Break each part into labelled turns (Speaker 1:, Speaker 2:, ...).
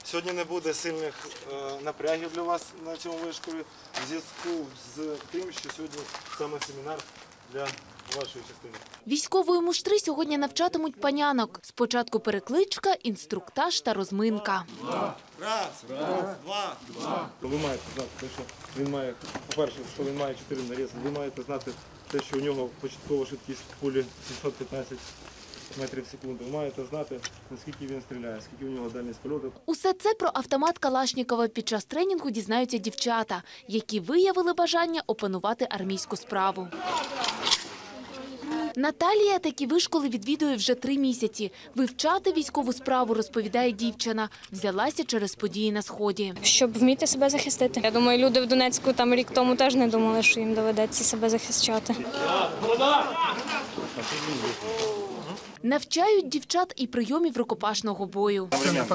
Speaker 1: Сьогодні не буде сильних напрягів для вас на цьому вишколі в зв'язку з тим, що сьогодні саме семінар для вашої частини.
Speaker 2: Військової муштри сьогодні навчатимуть панянок. Спочатку перекличка, інструктаж та розминка.
Speaker 1: Раз, два. Ви маєте знати те, що він має, по-перше, що він має 4 нарізи. Ви маєте знати те, що у нього початкова швидкість кулі 715 метрів в секунду. Ви маєте знати, наскільки він стріляє, скільки у нього дальність польоту.
Speaker 2: Усе це про автомат Калашнікова під час тренінгу дізнаються дівчата, які виявили бажання опанувати армійську справу. Наталія такі вишколи відвідує вже 3 місяці. Вивчати військову справу, розповідає дівчина, взялася через події на Сході.
Speaker 3: Щоб вміти себе захистити. Я думаю, люди в Донецьку там рік тому теж не думали, що їм доведеться себе захищати.
Speaker 2: Навчають дівчат і прийомів рукопашного бою.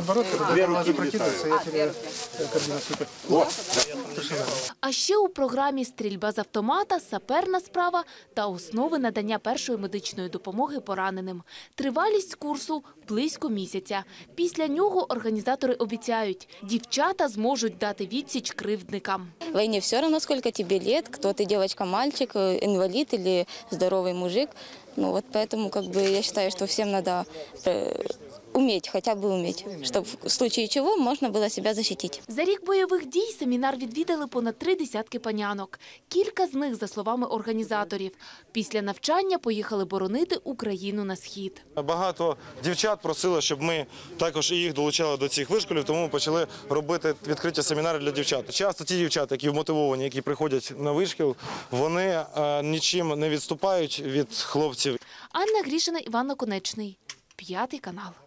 Speaker 2: А ще у програмі стрільба з автомата, саперна справа та основи надання першої медичної допомоги пораненим. Тривалість курсу – близько місяця. Після нього організатори обіцяють, дівчата зможуть дати відсіч кривдникам.
Speaker 4: В войне все равно, сколько тебе лет, кто ты, девочка, мальчик, инвалид или здоровый мужик. Ну вот поэтому я считаю, что всем надо уметь, хотя бы уметь, чтобы в случае чего можно было себя защитить.
Speaker 2: За рік бойових дій семінар відвідали понад 3 десятки панянок. Кілька з них, за словами організаторів, після навчання поїхали боронити Україну на Схід.
Speaker 1: Багато дівчат просили, щоб ми також і їх долучали до цих вишколів, тому ми почали робити відкриті семінари для дівчат. Часто ті дівчата, які вмотивовані, які приходять на вишкіл, вони нічим не відступають від хлопців.
Speaker 2: Анна Грішина, Іван Наконечний, 5 канал.